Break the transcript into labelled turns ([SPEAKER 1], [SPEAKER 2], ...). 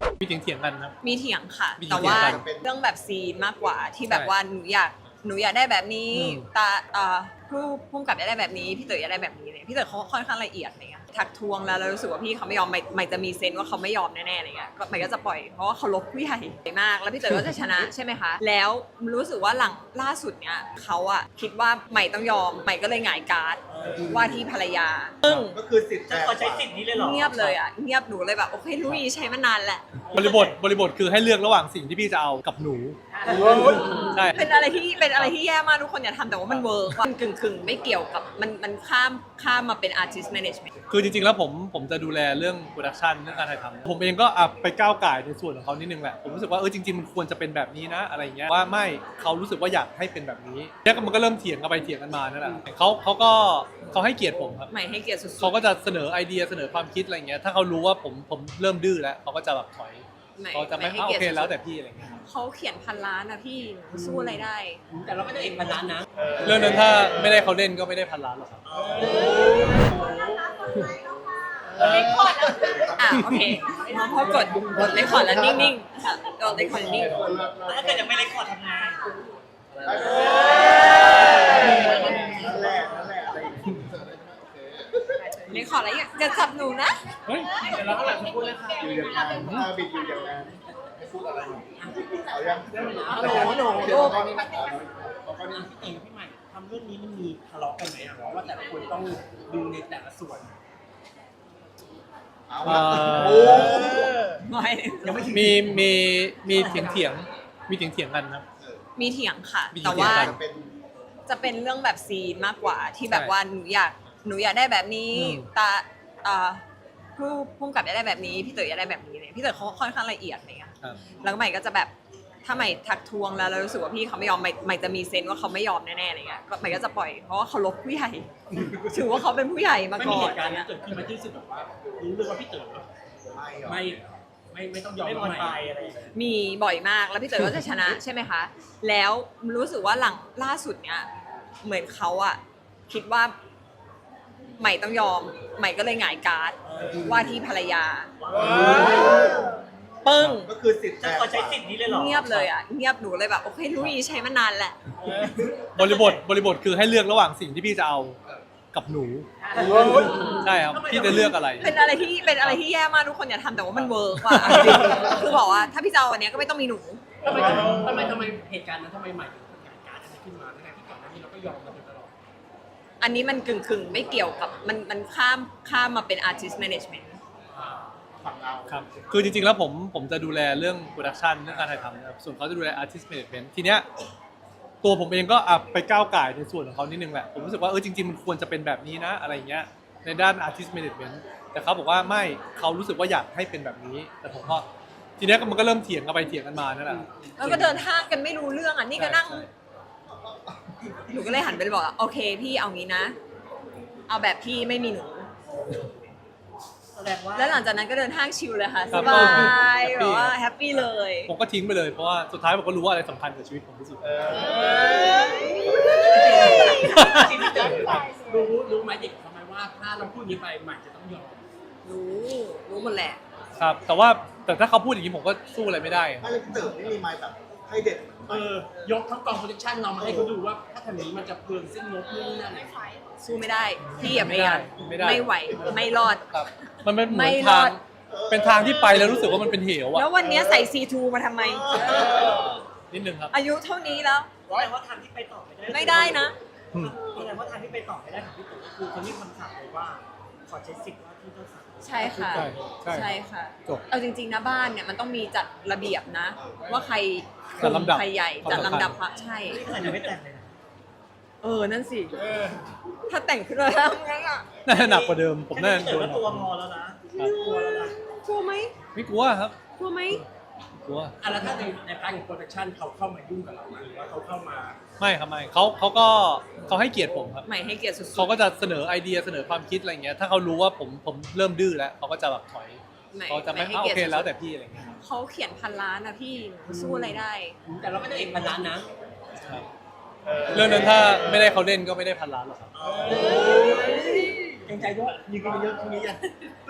[SPEAKER 1] มีเถียงกันครับ
[SPEAKER 2] มีเถียงค่ะ
[SPEAKER 1] มีเถียง
[SPEAKER 2] แต่ว่า
[SPEAKER 1] กัน
[SPEAKER 2] เรื่องแบบซีนมากกว่าที่แบบ
[SPEAKER 1] ใช่
[SPEAKER 2] ว่าหนูอยากได้แบบนี้
[SPEAKER 1] อืม
[SPEAKER 2] ผู้พุ่มกับอยากได้แบบนี้พี่เต๋ออยากได้แบบนี้เลยพี่เต๋อเขาค่อนข้างละเอียดอะไรเงี้ยทักทวงแล้วเรารู้สึกว่าพี่เขาไม่ยอมใหม่จะมีเซนส์ว่าเขาไม่ยอมแน่ๆอะไรเงี้ยก็ใหม่ก็จะปล่อยเพราะว่าเขาลบผู้ใหญ่มากแล้วพี่เต๋อก็จะชนะ ใช่ไหมคะแล้วรู้สึกว่าหลังล่าสุดเนี้ยเขาอะคิดว่าใหม่ต้องยอมใหม่ก็เลยหงายการ์ดว่าที่ภรรยาซึ่ง
[SPEAKER 3] ก็คือสิทธิ์
[SPEAKER 4] จะขอใช้สิทธิ์นี้เลยเหรอ
[SPEAKER 2] เงียบเลยอะเงียบหนูเลยแบบโอเครู้อีใช้มานานแหละ
[SPEAKER 1] บริบทคือให้เลือกระหว่างสิ่งที่พี่จะเอากับหนูใช่
[SPEAKER 2] เป็นอะไรที่แย่มากทุกคนอย่าทำแต่ว่ามันเวิร์กว่ากึ่งไม่เกี่ยวกับมันข้ามมาเป็น artist management
[SPEAKER 1] คือจริงๆแล้วผมจะดูแลเรื่องโปรดักชันเรื่องการถ่ายทำผมเองก็ไปก้าวก่ายในส่วนของเขานิดนึงแหละผมรู้สึกว่าจริงๆมันควรจะเป็นแบบนี้นะอะไรเงี้ยว่าไม่เขารู้สึกว่าอยากให้เป็นแบบนี้เนี่ยมันก็เริ่มเถียงกันไปเถียงกันมานั่นแหละเขาให้เกียรติผมครับ
[SPEAKER 2] ใหม่ให้เกียรติสุด
[SPEAKER 1] เขาก็จะเสนอไอเดียเสนอความคิดอะไรเงี้ยถ้าเขารู้ว่าผมเริ่มดื้อแล้วเขาก็จะแบบถอย
[SPEAKER 2] ๆใหม่
[SPEAKER 1] เขาจะไม่
[SPEAKER 2] ให้
[SPEAKER 1] โอ
[SPEAKER 2] เกียรติ
[SPEAKER 1] เค
[SPEAKER 2] สุดๆ
[SPEAKER 1] แล้วแต่พี่อะไรเงี้ย
[SPEAKER 2] เขาเขียนพันล้านนะพี่หนูสู้อะไรได้
[SPEAKER 4] แต่เราก็จะเอกพันล้านนะ
[SPEAKER 1] เรื่องนั้นถ้าไม่ได้เขาเล่นก็ไม่ได้พันล้านหรอกครับ
[SPEAKER 2] เลคคอร์ดแล้วโอเคพอกดเลคคอร์ดแล้วนิ่งๆค่ะกดเลคคอร์ดนิ่ง
[SPEAKER 4] แล้วถ้าเกิดยังไม่เล็กขอทำไง
[SPEAKER 3] นั่นแหละอะไรอย่างเงี้ย
[SPEAKER 2] เลคคอร์ดแล้วจะจับหนูนะ
[SPEAKER 1] เฮ้ย
[SPEAKER 4] เดี๋ยวเราก็หลังพูดเลยค่ะ
[SPEAKER 3] อยู่อย่างนั้นบิดอยู่อย่างนั้นพูดอะไรเอายัง
[SPEAKER 4] หนู
[SPEAKER 3] เดี๋ยวตอนนี้นะ
[SPEAKER 4] ตอนนี้พี่เองกับพี่ใหม่ทำเรื่องนี้มันมีทะเลาะกันไหมอะเพราะว่าแต่ละคนต้องดูในแต่ละส่วน
[SPEAKER 3] เอา
[SPEAKER 1] เอ่
[SPEAKER 3] ละ
[SPEAKER 1] อ
[SPEAKER 3] โอ้
[SPEAKER 2] ไม่
[SPEAKER 4] ยังไม่ถึง
[SPEAKER 1] มีเถียงกันครับ
[SPEAKER 2] มีเถียงค่ะ
[SPEAKER 1] มีเถียง
[SPEAKER 2] แต่ว่า
[SPEAKER 1] กัน
[SPEAKER 3] เป็น
[SPEAKER 2] จะเป็นเรื่องแบบซีนมากกว่าที่แบบ
[SPEAKER 1] ใช่
[SPEAKER 2] ว่าหนูอยากได้แบบนี้
[SPEAKER 1] อืม
[SPEAKER 2] ผู้พุ่มกับอยากได้แบบนี้พี่เต๋ออยากได้แบบนี้เลยพี่เต๋อเขาค่อนข้างละเอียดอะไรเงี้ย
[SPEAKER 1] ครับ
[SPEAKER 2] แล้วใหม่ก็จะแบบถ้าใหม่ทักทวงแล้วเรารู้สึกว่าพี่เขาไม่ยอมใหม่จะมีเซนส์ว่าเขาไม่ยอมแน่ๆอะไรเงี้ยก็ใหม่ก็จะปล่อยเพราะว่าเขาลบผู้ใหญ่ ถือว่าเขาเป็นผู้ใหญ่มา
[SPEAKER 4] ไม่
[SPEAKER 2] ก่
[SPEAKER 4] มี
[SPEAKER 2] อ
[SPEAKER 4] เห
[SPEAKER 2] น
[SPEAKER 4] ตุการณ์นี้เกิดขึ้นมาที่รู้สึกแบบว่ารู้เลยว่าพี่เต๋อ
[SPEAKER 3] ไม่หรอ
[SPEAKER 4] ไม่ต้องยอมไม่บอลไปอะไรอย่างเงี้ย
[SPEAKER 2] มีบ่อยมากแล้วพี่เต๋อก็จะชนะ ใช่ไหมคะแล้วรู้สึกว่าหลังล่าสุดเนี้ยเหมือนเขาอะคิดว่าใหม่ต้องยอมใหม่ก็เลยหงายการ์ดว่าที่ภรรยาปึ้ง
[SPEAKER 3] ก็คือสิทธิ์
[SPEAKER 4] จะขอใช้สิทธิ์นี้เลยเหรอ
[SPEAKER 2] เงียบเลยอ่ะเงียบหนูเลยแบบโอเครู้อีใช้มานานแหละ
[SPEAKER 1] บริบทคือให้เลือกระหว่างสิ่งที่พี่จะเอากับหนูใช่ครับพี่จะเลือกอะไร
[SPEAKER 2] เป็นอะไรที่แย่มากทุกคนอย่าทำแต่ว่ามันเวิร์กว่ะคือบอกว่าถ้าพี่จะเอาอันเนี้ยก็ไม่ต้องมีหนู
[SPEAKER 4] ทำไมเหตุการณ์นั้นทำไมใหม่ถึงเกิดการณ์ขึ้นมาทั้งที่ก่อนหน้านี้เราก็ยอมมาโดยตลอด
[SPEAKER 2] อันนี้มันกึ่งไม่เกี่ยวกับมันข้ามมาเป็น artist management
[SPEAKER 3] ฝั่งเรา
[SPEAKER 1] ครับคือจริงๆแล้วผมจะดูแลเรื่องโปรดักชันเรื่องการถ่ายทำนะครับส่วนเขาจะดูแล artist management ทีเนี้ยตัวผมเองก็ไปก้าวก่ายในส่วนของเขานิดนึงแหละผมรู้สึกว่าจริงๆมันควรจะเป็นแบบนี้นะอะไรเงี้ยในด้าน artist management แต่เขาบอกว่าไม่เขารู้สึกว่าอยากให้เป็นแบบนี้แต่ผมก็ทีเนี้ยมันก็เริ่มเถียงกันไปเถียงกันมานั่นแหละ
[SPEAKER 2] แล้วก็เดินห้างกันไม่รู้เรื่องอ่ะนี่ก็นั่ง
[SPEAKER 1] ใช่
[SPEAKER 2] หนูก็เลยหันไปบอกว่าโอเคพี่เอางี้นะ เอาแบบพี่ไม่มีหนู
[SPEAKER 4] แสดงว่า
[SPEAKER 2] แล้วหลังจากนั้นก็เดินห้างชิลเลยค่ะ
[SPEAKER 1] ครั
[SPEAKER 2] ส
[SPEAKER 1] บ
[SPEAKER 2] บาย
[SPEAKER 1] แฮปปี้
[SPEAKER 2] แบบว่าแฮปปี้เลย
[SPEAKER 1] ผมก็ทิ้งไปเลยเพราะว่าสุดท้ายผมก็รู้ว่าอะไรสำคัญกับชีวิตผมที่สุด
[SPEAKER 4] จริงๆพี่เต๋อรู้ไหมเด็กทำไมว่าถ้าเราพูดนี้ไปใหม่จะต้องยอม
[SPEAKER 2] รู้หมดแหละ
[SPEAKER 1] ครับแต่ถ้าเขาพูดอย่างนี้ผมก็สู้อะไรไม่ได้
[SPEAKER 3] ไม่เลยพี่เต๋อไม่มีไม้แบบให้เด็ด
[SPEAKER 4] ยกทั้งกองโปรดักชั่นเรามาให้เขาดูว่าถ้าทำนี้มันจะเปลืองสิ้นงบนู่นนี่นั่น
[SPEAKER 2] สู้ไม่ได้พี่อย่าพยายาม
[SPEAKER 1] ไม่ได้
[SPEAKER 2] ไม่ไหวไม่รอด
[SPEAKER 1] ครับมันเป็นเหมื
[SPEAKER 2] ไม่
[SPEAKER 1] อน
[SPEAKER 2] ร
[SPEAKER 1] ทา
[SPEAKER 2] อง ด
[SPEAKER 1] เป็นทางที่ไปแล้วรู้สึกว่ามันเป็นเหว
[SPEAKER 2] แล้
[SPEAKER 1] อะ
[SPEAKER 2] ววันเนี้ยใส่ C2 มาทำไม
[SPEAKER 1] นิดนึงครับ
[SPEAKER 2] อายุเท่านี้แล้ว
[SPEAKER 4] แสดงว่าทางที่ไปต่อไม่ได้
[SPEAKER 2] ไม่ได้นะ
[SPEAKER 4] แสดงว่าทางที่ไปต่อไม่ได้ของพี่เต๋อคือคนที่คำสั่งเลยว่าขอใช้สิทธิ์ว่าที่เจ้าสาว
[SPEAKER 2] ใช่ค่ะ
[SPEAKER 1] ใช่
[SPEAKER 2] ค่ะ
[SPEAKER 1] จบ
[SPEAKER 2] เอาจริงๆนะบ้านเนี่ยมันต้องมีจัดระเบียบนะ ว่าใคร
[SPEAKER 1] จัดลำดับ
[SPEAKER 2] ใครใหญ่
[SPEAKER 1] ความ
[SPEAKER 2] จัด
[SPEAKER 1] สำคัญ
[SPEAKER 2] ลำดับพระใช่
[SPEAKER 4] นี่ขนาดยังไม่แต่งเลยนะ
[SPEAKER 2] นั่นสิถ้าแต่งขึ้นมาแล้วงั้นอ่ะ
[SPEAKER 1] น่าจะหนักกว่าเดิมผมน่าจะ
[SPEAKER 4] พี่
[SPEAKER 1] โด
[SPEAKER 4] เต๋อน ก็
[SPEAKER 1] หนัก
[SPEAKER 4] ตัวพอแล้วนะกลัวแล้วนะ
[SPEAKER 2] กลัวไหม
[SPEAKER 1] ไม่กลัวครับ
[SPEAKER 2] กลัวไหม
[SPEAKER 1] กลัว
[SPEAKER 4] แล้วถ้าในพาร์ทของโปรดักชั่นเขาเข้ามายุ่งกับเราไหมหรือว่าเขาเข้ามา
[SPEAKER 1] ไม่ครับไม่เขาให้เกียรติผมครับ
[SPEAKER 2] ใหม่ให้เกียรติสุดๆ
[SPEAKER 1] เขาก็จะเสนอไอเดียเสนอความคิดอะไรเงี้ยถ้าเขารู้ว่าผมเริ่มดื้อแล้วเขาก็จะแบบถอย
[SPEAKER 2] ใหม่
[SPEAKER 1] เขาจะไม่
[SPEAKER 2] ให้
[SPEAKER 1] โอ
[SPEAKER 2] เกียร
[SPEAKER 1] เค
[SPEAKER 2] ติ
[SPEAKER 1] แล้วแต่
[SPEAKER 2] สุด
[SPEAKER 1] พี่อะไรเงี้ย
[SPEAKER 2] ๆเขาเขียนพันล้านนะพี่หนูสู้อะไรได้
[SPEAKER 4] แต่เราก็จะเอกพันล้านนะ
[SPEAKER 1] ครับเรื่องนั้นถ้าไม่ได้เขาเล่นก็ไม่ได้พันล้านหรอกครับ
[SPEAKER 4] เกรงใจด้วยยิงกันเยอะทีนี้ยัง